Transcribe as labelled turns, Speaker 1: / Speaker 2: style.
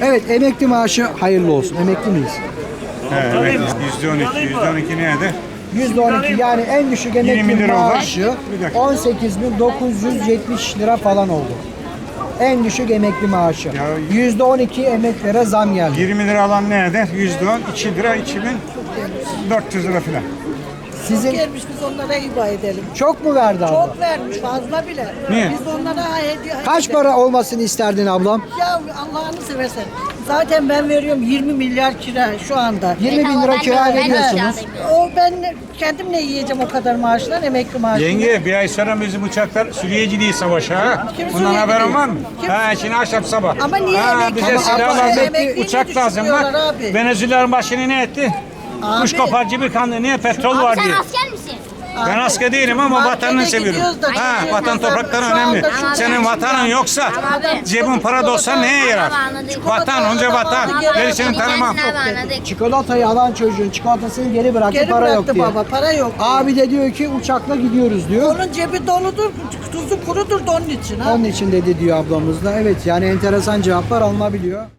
Speaker 1: Evet, emekli maaşı hayırlı olsun. Emekli miyiz?
Speaker 2: Evet, %12. %12 neydi?
Speaker 1: %12 yani en düşük
Speaker 2: 20
Speaker 1: emekli
Speaker 2: lira oldu.
Speaker 1: maaşı
Speaker 2: Bir dakika.
Speaker 1: 18.970 lira falan oldu. En düşük emekli maaşı.
Speaker 2: Ya-
Speaker 1: %12 emeklilere zam geldi.
Speaker 2: 20 lira alan ne eder? %10, 2 lira, 2400 lira falan.
Speaker 1: Sizin
Speaker 3: Gelmiş biz onlara hiba edelim.
Speaker 1: çok mu verdi abla?
Speaker 3: Çok vermiş fazla bile.
Speaker 2: Niye?
Speaker 3: Biz de onlara hediye
Speaker 1: Kaç para olmasını isterdin ablam?
Speaker 3: Ya Allah'ını seversen. Zaten ben veriyorum 20 milyar kira şu anda.
Speaker 1: 20 bin lira kira veriyorsunuz.
Speaker 3: O ben kendim ne yiyeceğim o kadar maaşlar, emekli maaşı.
Speaker 2: Yenge bir ay sonra bizim uçaklar Suriye değil savaşa ha.
Speaker 3: Kim
Speaker 2: Bundan
Speaker 3: Suriye
Speaker 2: haberin
Speaker 3: gidiyor?
Speaker 2: var mı?
Speaker 3: Kim?
Speaker 2: Ha şimdi akşam sabah.
Speaker 3: Ama niye
Speaker 2: ha,
Speaker 3: emekli?
Speaker 2: bize
Speaker 3: Ama
Speaker 2: silah
Speaker 3: abla,
Speaker 2: lazım.
Speaker 3: emekliliğini
Speaker 2: Uçak lazım bak.
Speaker 3: düşürüyorlar abi.
Speaker 2: Venezuela'nın başını ne etti? Kuş
Speaker 3: Abi.
Speaker 2: koparcı bir kandı. Niye? Petrol var
Speaker 4: Sen
Speaker 2: diye.
Speaker 4: asker misin?
Speaker 2: Ben asker değilim ama
Speaker 3: Markete
Speaker 2: vatanını seviyorum.
Speaker 3: gidiyoruz da
Speaker 2: Ha,
Speaker 3: gidiyoruz.
Speaker 2: vatan toprakları
Speaker 3: Şu anda
Speaker 2: önemli.
Speaker 3: şu
Speaker 2: Senin
Speaker 3: gençler-
Speaker 2: vatanın yoksa
Speaker 4: Abi.
Speaker 2: cebin para da olsa neye yarar? Vatan onca vatan. Gerisini tanımam.
Speaker 1: Çikolatayı alan çocuğun çikolatasını geri bıraktı,
Speaker 3: Geri
Speaker 1: para yok
Speaker 3: bıraktı
Speaker 1: diye.
Speaker 3: baba, para yok.
Speaker 1: Abi de diyor ki uçakla gidiyoruz diyor.
Speaker 3: Onun cebi doludur, tuzu kurudur da onun için ha.
Speaker 1: Onun için dedi diyor ablamız da. Evet, yani enteresan cevaplar alınabiliyor.